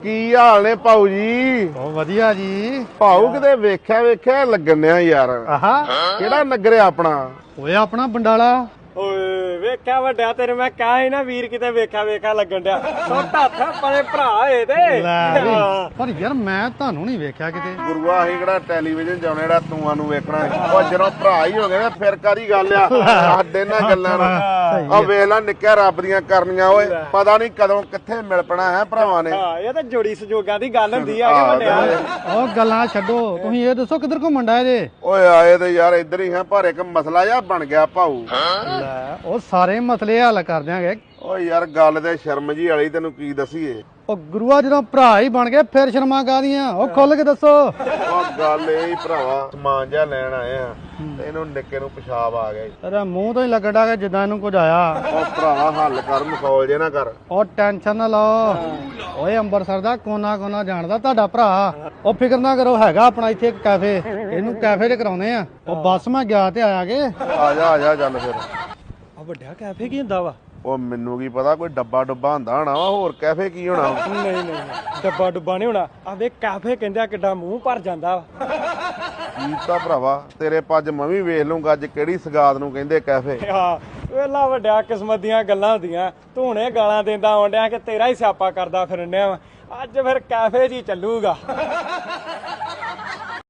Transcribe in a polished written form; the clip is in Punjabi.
ਕੀ ਹਾਲ ਨੇ ਭਾਊ ਜੀ? ਬਹੁਤ ਵਧੀਆ ਜੀ। ਭਾਊ ਕਿਤੇ ਵੇਖਿਆ ਲੱਗਣ ਡਿਆ ਯਾਰ। ਆਹਾ ਕਿਹੜਾ ਨਗਰ ਆ ਆਪਣਾ? ਓਏ ਆਪਣਾ ਬੰਡਾਲਾ। ਓਏ ਵੇਖਿਆ ਵੱਡਿਆ ਤੇਰੇ ਮੈਂ ਕਹਾਂ ਹੀ ਨਾ ਵੀਰ ਕਿਤੇ ਵੇਖਿਆ ਲੱਗਣ ਡਿਆ ਛੋਟਾ ਹੱਥ ਪਰੇ ਭਰਾ ਏ ਤੇ ਲੈ ਵੀ, ਪਰ ਯਾਰ ਮੈਂ ਤੁਹਾਨੂੰ ਨਹੀਂ ਵੇਖਿਆ ਕਿਤੇ। ਗੁਰੂਆ ਅਸੀਂ ਕਿਹੜਾ ਟੈਲੀਵਿਜ਼ਨ ਜਾਉਣੇ ਜਿਹੜਾ ਤੂੰ ਨੂੰ ਵੇਖਣਾ ਉਹ ਜਦੋਂ ਭਰਾ ਹੀ ਹੋ ਗਏ ਨਾ ਫਿਰ ਕਾਦੀ ਗੱਲ ਆ ਸਾਡੇ ਨਾਲ ਗੱਲਾਂ ਨੂੰ। ਆ ਵੇਖ ਲੈ ਨਿੱਕਿਆ ਰੱਬ ਦੀਆਂ ਕਰਨੀਆਂ ਓਏ ਪਤਾ ਨਹੀਂ ਕਦੋਂ ਕਿੱਥੇ ਮਿਲ ਪਣਾ ਹੈ ਭਰਾਵਾਂ ਨੇ। ਹਾਂ ਇਹ ਤਾਂ ਜੋੜੀ ਸੰਜੋਗਾਂ ਦੀ ਗੱਲ ਹੁੰਦੀ ਆ ਕਿ ਵੱਡਿਆ। ਉਹ ਗੱਲਾਂ ਛੱਡੋ, ਤੁਸੀਂ ਇਹ ਦੱਸੋ ਕਿੱਧਰ ਘੁੰਮਣ ਡਾਏ ਜੇ? ਓਏ ਆਏ ਤੇ ਯਾਰ ਇੱਧਰ ਹੀ ਹੈ ਪਰ ਇੱਕ ਮਸਲਾ ਜਿਹਾ ਬਣ ਗਿਆ ਭਾਊ। ਲੈ ਉਹ ਸਾਰੇ ਮਸਲੇ ਹੱਲ ਕਰ ਦਿਆਂਗੇ। ਓ ਯਾਰ ਗੱਲ ਤੇ ਸ਼ਰਮ ਜੀ ਵਾਲੀ ਤੈਨੂੰ ਕੀ ਦਸੀਏ। ਉਹ ਗੁਰੂਆ ਜਦੋਂ ਭਰਾ ਹੀ ਬਣ ਗਏ ਫਿਰ ਸ਼ਰਮਾ ਕਾਹਦੀਆਂ? ਉਹ ਖੁੱਲ ਕੇ ਦੱਸੋ। ਉਹ ਗੱਲ ਇਹ ਹੀ ਭਰਾਵਾ ਸਮਾਨ ਜਿਹਾ ਲੈਣ ਆਏ ਆ ਤੇ ਇਹਨੂੰ ਨਿੱਕੇ ਨੂੰ ਪਿਸ਼ਾਬ ਆ ਗਿਆ। ਤੇਰਾ ਮੂੰਹ ਤੋਂ ਹੀ ਲੱਗਣ ਡਿਆ ਕਿ ਜਿੱਦਾਂ ਇਹਨੂੰ ਕੁਝ ਆਇਆ। ਉਹ ਭਰਾਵਾ ਹੱਲ ਕਰ ਮਖੌਲ ਜੇ ਨਾ ਕਰ। ਉਹ ਟੈਨਸ਼ਨ ਨਾ ਲਓ, ਓਏ ਅੰਬਰਸਰ ਦਾ ਕੋਨਾ ਜਾਣਦਾ ਤੁਹਾਡਾ ਭਰਾ। ਉਹ ਫਿਕਰ ਨਾ ਕਰੋ, ਹੈਗਾ ਆਪਣਾ ਇੱਥੇ ਇੱਕ ਕੈਫੇ, ਇਹਨੂੰ ਕੈਫੇ 'ਚ ਕਰਾਉਨੇ ਆ। ਉਹ ਬੱਸ ਮੈਂ ਗਿਆ ਤੇ ਆਇਆ ਕੇ। ਆ ਜਾ ਚੱਲ ਫਿਰ। ਆ ਵੱਡਿਆ ਕੈਫੇ ਕੀ ਹੁੰਦਾ ਵਾ? ਉਹ ਮੈਨੂੰ ਕੀ ਪਤਾ, ਕੋਈ ਡੱਬਾ ਹੁੰਦਾ ਹੋਣਾ ਵਾ, ਹੋਰ ਕੈਫੇ ਕੀ ਹੋਣਾ। ਨਹੀਂ ਡੱਬਾ ਨਹੀਂ ਹੋਣਾ। ਆ ਵੇ ਕੈਫੇ ਕਹਿੰਦੇ ਕਿੱਡਾ ਮੂੰਹ ਭਰ ਜਾਂਦਾ ਵਾ। ਕੀ ਤਾਂ ਭਰਾਵਾ ਤੇਰੇ ਪੱਜ ਮੈਂ ਵੀ ਵੇਖ ਲੂੰਗਾ ਅੱਜ ਕਿਹੜੀ ਸਗਾਤ ਨੂੰ ਕਹਿੰਦੇ ਕੈਫੇ। ਹਾਂ ਵੇਲਾ ਵੱਡਿਆ ਕਿਸਮਤ ਦੀਆਂ ਗੱਲਾਂ ਹੁੰਦੀਆਂ। ਤੂੰ ਹੁਣੇ ਗਾਲਾਂ ਦਿੰਦਾ ਆਉਂਦਿਆਂ ਕਿ ਤੇਰਾ ਹੀ ਸਿਆਪਾ ਕਰਦਾ ਫਿਰਨਿਆ ਵਾ। ਅੱਜ ਫਿਰ ਕੈਫੇ 'ਚ ਹੀ ਚੱਲੂਗਾ।